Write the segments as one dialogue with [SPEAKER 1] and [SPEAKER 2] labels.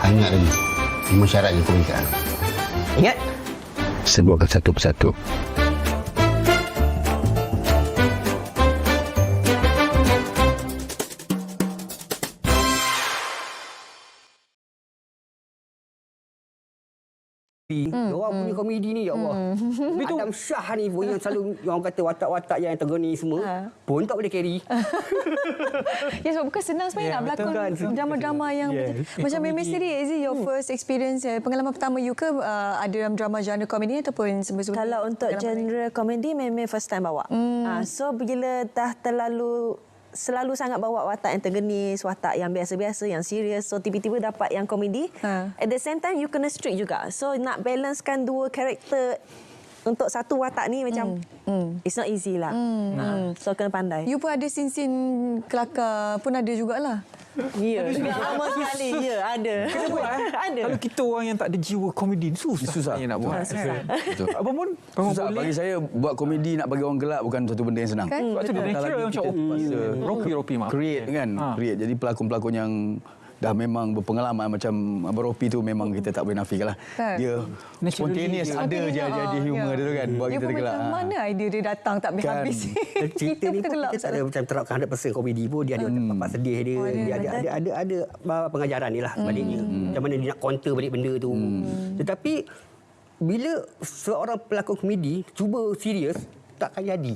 [SPEAKER 1] Ingat lagi 5 syarat yang kau minta.
[SPEAKER 2] Ingat?
[SPEAKER 3] Sebutkan satu persatu.
[SPEAKER 2] Diorang punya komedi ni, ya Allah. Adam Shah ni pun yang selalu orang kata watak-watak yang tergeni semua pun tak boleh carry.
[SPEAKER 4] Ya, sebab bukan senang sebenarnya nak berlakon drama-drama yang macam Memes sendiri. Is it your first experience, pengalaman pertama you ke ada dalam drama genre komedi ataupun sebelum-sebelum?
[SPEAKER 5] Kalau untuk genre komedi memang first time bawa. So bila dah selalu sangat bawa watak yang tergenis, watak yang biasa-biasa, yang serius. So tiba-tiba dapat yang komedi. At the same time you kena strict juga. So nak balancekan dua karakter untuk satu watak ni macam it's not easy lah. So kena pandai.
[SPEAKER 4] You pun ada scene-scene kelakar pun ada jugalah.
[SPEAKER 5] Ya, lama sekali. Ya, ada.
[SPEAKER 6] Kena buat
[SPEAKER 5] Ada.
[SPEAKER 6] Kalau kita orang yang tak ada jiwa komedi ni susah nak buat.
[SPEAKER 3] Betul.
[SPEAKER 6] Abang pun
[SPEAKER 3] Susah. Bagi saya buat komedi nak bagi orang gelak bukan satu benda yang senang.
[SPEAKER 4] Kan?
[SPEAKER 6] sebab tu dia natural macam Ropi maaf.
[SPEAKER 3] Create kan, create. Jadi pelakon-pelakon yang dah memang berpengalaman macam Abang Ropi tu memang kita tak boleh nafikan lah.
[SPEAKER 4] Kan?
[SPEAKER 3] Dia spontaneous, ada je jadi humor dia tu kan. Buat
[SPEAKER 4] Dia
[SPEAKER 3] kita
[SPEAKER 4] pun
[SPEAKER 3] tergelak.
[SPEAKER 4] macam mana idea dia datang tak habis-habis.
[SPEAKER 2] Cerita ni pun
[SPEAKER 4] tergelak.
[SPEAKER 2] kita tak ada macam terapkan 100% komedi pun. Dia ada bapak sedih dia. Dia ada pengajaran ni lah sebaliknya. Macam mana dia nak counter balik benda tu. Tetapi bila seorang pelakon komedi cuba serius, takkan jadi.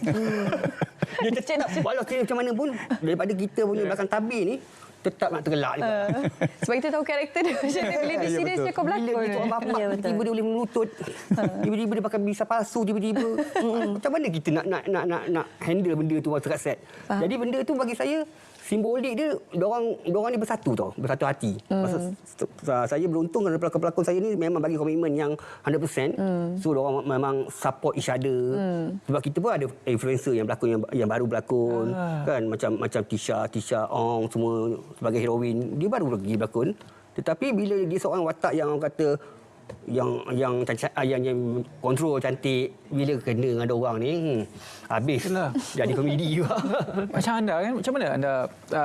[SPEAKER 2] Dia tetap walau serius macam mana pun daripada kita punya belakang tabir ni tetap nak tergelak juga.
[SPEAKER 4] Sebab kita tahu karakter dia macam mana. Bila dia serius dia kau
[SPEAKER 2] Bila
[SPEAKER 4] berlakon.
[SPEAKER 2] dia bapak tiba-tiba dia boleh melutut. Tiba-tiba dia pakai bisa palsu tiba-tiba. Macam mana kita nak handle benda tu masa kat set. Jadi benda tu bagi saya simbolik dia diorang ni bersatu tau, bersatu hati. Saya beruntung kerana pelakon-pelakon saya ni memang bagi komitmen yang 100%. So diorang memang support each other. Sebab kita pun ada influencer yang berlakon yang baru berlakon kan, macam Tisha Ong semua sebagai heroin. Dia baru pergi berlakon. Tetapi bila dia seorang watak yang orang kata yang kontrol cantik, bila kena dengan ada orang ni habis
[SPEAKER 6] Itulah.
[SPEAKER 2] jadi komedi juga.
[SPEAKER 6] Macam anda kan, macam mana anda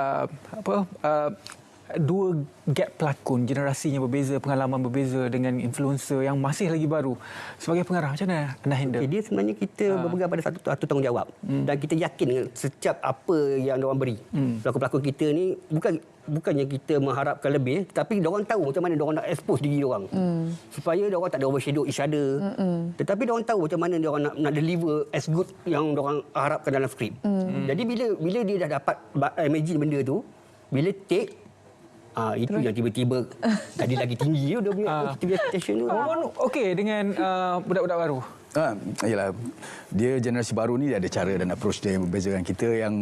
[SPEAKER 6] dua gap pelakon, generasinya berbeza, pengalaman berbeza dengan influencer yang masih lagi baru. Sebagai pengarah, macam mana anda handle?
[SPEAKER 2] Dia sebenarnya kita berpegang pada satu tanggungjawab. Dan kita yakin dengan setiap apa yang diorang beri. Pelakon-pelakon kita ni bukannya kita mengharapkan lebih, tapi diorang tahu macam mana diorang nak expose diri diorang. Supaya diorang tak ada overshadow each other. Tetapi diorang tahu macam mana diorang nak deliver as good yang diorang harapkan dalam skrip. Jadi bila dia dah dapat imagine benda tu, bila take itu yang tiba-tiba tadi lagi tinggi dia punya expectation tu.
[SPEAKER 6] Abang okey dengan budak-budak baru?
[SPEAKER 3] Yalah, dia generasi baru ni dia ada cara dan approach dia yang berbeza dengan kita yang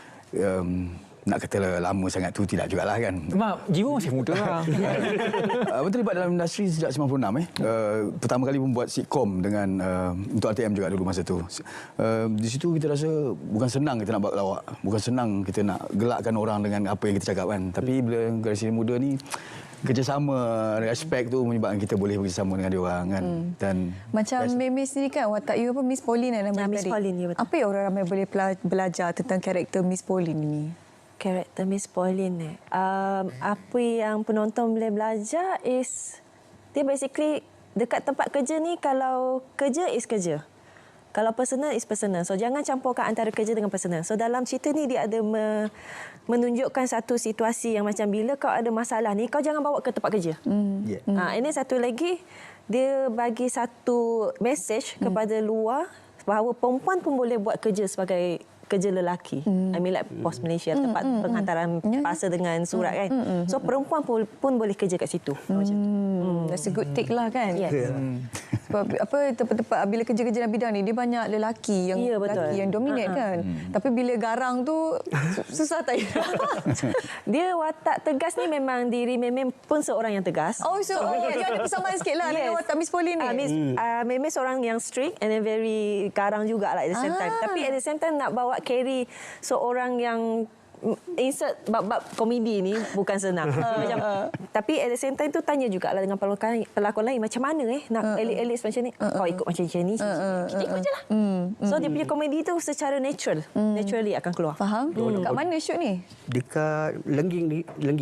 [SPEAKER 3] nak kata lama sangat tu tidak jugalah kan.
[SPEAKER 6] Mak, jiwa masih muda lah.
[SPEAKER 3] Abang terlibat dalam industri sejak 96. Pertama kali pun buat sitcom dengan untuk RTM juga dulu masa tu. Di situ kita rasa bukan senang kita nak buat lawak. Bukan senang kita nak gelakkan orang dengan apa yang kita cakap kan. Tapi bila generasi muda ni kerjasama, respect tu menyebabkan kita boleh bekerjasama dengan dia orang kan. Dan
[SPEAKER 4] Macam Memes ni kan, watak you apa, Miss Pauline nama
[SPEAKER 5] Miss
[SPEAKER 4] tadi.
[SPEAKER 5] Pauline, ya betul.
[SPEAKER 4] Apa yang orang ramai boleh belajar tentang karakter Miss Pauline ni?
[SPEAKER 5] Karakter Miss Pauline apa yang penonton boleh belajar is dia basically dekat tempat kerja ni, kalau kerja is kerja, kalau personal is personal. So jangan campurkan antara kerja dengan personal. So dalam cerita ni dia ada menunjukkan satu situasi yang macam bila kau ada masalah ni, kau jangan bawa ke tempat kerja. Ini satu lagi, dia bagi satu message kepada luar bahawa perempuan pun boleh buat kerja sebagai kerja lelaki. I mean like Pos Malaysia, tempat penghantaran parcel dengan surat kan. So perempuan pun boleh kerja kat situ.
[SPEAKER 4] That's a good take lah kan.
[SPEAKER 5] Yes.
[SPEAKER 4] Sebab tempat-tempat bila kerja-kerja dalam bidang ni dia banyak lelaki yang dominate kan. Tapi bila garang tu susah tak?
[SPEAKER 5] Dia watak tegas ni memang diri Memem pun seorang yang tegas.
[SPEAKER 4] Dia ada persamaan sikit lah dengan watak Miss Pauline ni.
[SPEAKER 5] Memem seorang yang strict and then very garang jugalah at the same time. Tapi at the same time nak bawa carry seorang yang insert bab-bab komedi ni bukan senang. Tapi at the same time tu tanya jugalah dengan pelakon lain, macam mana nak elit-elit macam ni, kau ikut macam ni, kita ikut je lah. So dia punya komedi tu secara naturally akan keluar.
[SPEAKER 4] Faham? Kat mana shoot ni?
[SPEAKER 2] Dekat Lengging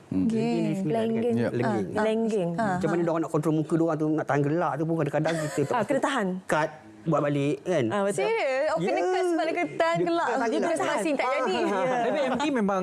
[SPEAKER 4] Okay.
[SPEAKER 5] Lenggeng.
[SPEAKER 3] Ya.
[SPEAKER 5] Lenggeng.
[SPEAKER 2] Macam mana diorang nak kontrol muka diorang tu, nak tahan gelak tu pun kadang-kadang kita
[SPEAKER 5] Kena tahan.
[SPEAKER 2] cut buat balik kan.
[SPEAKER 5] Betul.
[SPEAKER 4] Serius? Oh, kena cut sebab dia kena tahan gelak. Dia terus masing tak jadi.
[SPEAKER 6] Tapi MD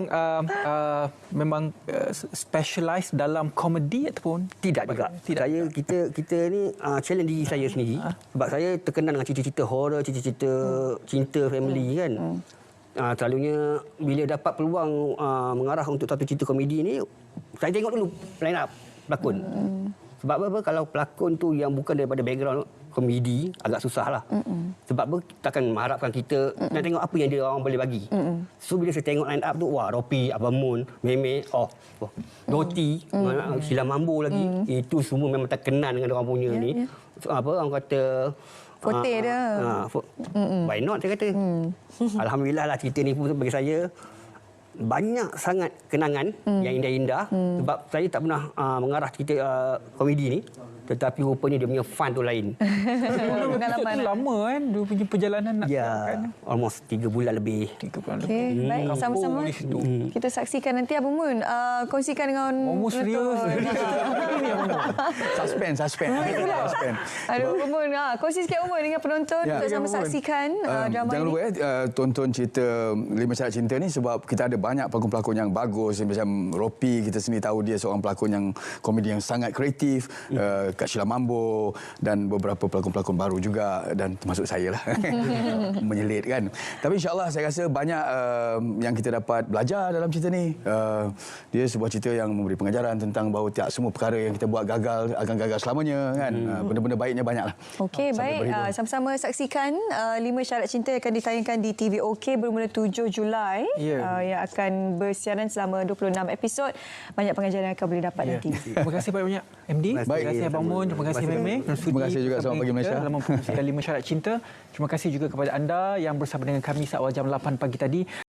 [SPEAKER 6] memang specialize dalam komedi ataupun
[SPEAKER 2] Tidak juga. Saya kita ni challenge diri saya sendiri sebab saya terkenal dengan cerita-cerita horror, cerita-cerita cinta family kan. Selalunya bila dapat peluang mengarah untuk satu cerita komedi ni, saya tengok dulu line up pelakon. Sebab apa? Kalau pelakon tu yang bukan daripada background komedi, agak susah lah. Sebab apa? Kita akan mengharapkan kita nak tengok apa yang dia orang boleh bagi. So bila saya tengok line up tu, wah, Ropi, Abang Mun, Meme, Doti, Sheila Mambo lagi. Itu semua memang terkenal dengan orang punya ni. So, apa orang kata
[SPEAKER 4] Forte dia.
[SPEAKER 2] Why not saya kata. Alhamdulillah lah cerita ni pun bagi saya banyak sangat kenangan yang indah-indah sebab saya tak pernah mengarah cerita komedi ni, tetapi rupanya dia punya fun tu lain.
[SPEAKER 4] Pengalaman.
[SPEAKER 6] itu lama kan dia punya perjalanan nak kan.
[SPEAKER 2] Almost 3 bulan lebih.
[SPEAKER 6] 3 bulan
[SPEAKER 4] Okey,
[SPEAKER 6] lebih.
[SPEAKER 4] baik.
[SPEAKER 6] Kampung
[SPEAKER 4] Sama-sama
[SPEAKER 6] di situ.
[SPEAKER 4] kita saksikan nanti Abang Mun. Kongsikan dengan
[SPEAKER 6] Momo serius.
[SPEAKER 3] Suspense.
[SPEAKER 4] Aduh, Abang Mun. Kongsi sikit Abang Mun dengan penonton
[SPEAKER 3] Ya.
[SPEAKER 4] untuk sama
[SPEAKER 3] Abang Mun.
[SPEAKER 4] saksikan drama
[SPEAKER 3] Jangan
[SPEAKER 4] ini.
[SPEAKER 3] lupa tonton cerita Lima Syarat Cinta ni sebab kita ada banyak pelakon-pelakon yang bagus. Macam Ropi, kita sendiri tahu dia seorang pelakon yang komedi yang sangat kreatif. Kak Sheila Mambo dan beberapa pelakon-pelakon baru juga dan termasuk saya lah. Menyelit kan. Tapi insyaAllah saya rasa banyak yang kita dapat belajar dalam cerita ni. Dia sebuah cerita yang memberi pengajaran tentang bahawa tak semua perkara yang kita buat gagal akan gagal selamanya kan. Benda-benda baiknya banyaklah.
[SPEAKER 4] Okey, baik. Sama-sama saksikan 5 Syarat Cinta yang akan ditayangkan di TV OK bermula 7 Julai. Yang akan bersiaran selama 26 episod. Banyak pengajaran yang akan boleh dapat nanti.
[SPEAKER 6] Terima kasih banyak MD. Terima kasih Abang Mun. Terima kasih Meme.
[SPEAKER 3] Terima kasih juga. Selamat pagi Malaysia.
[SPEAKER 6] Dalam mempromosikan 5 Syarat Cinta. Terima kasih juga kepada anda yang bersama dengan kami saat awal jam 8 pagi tadi.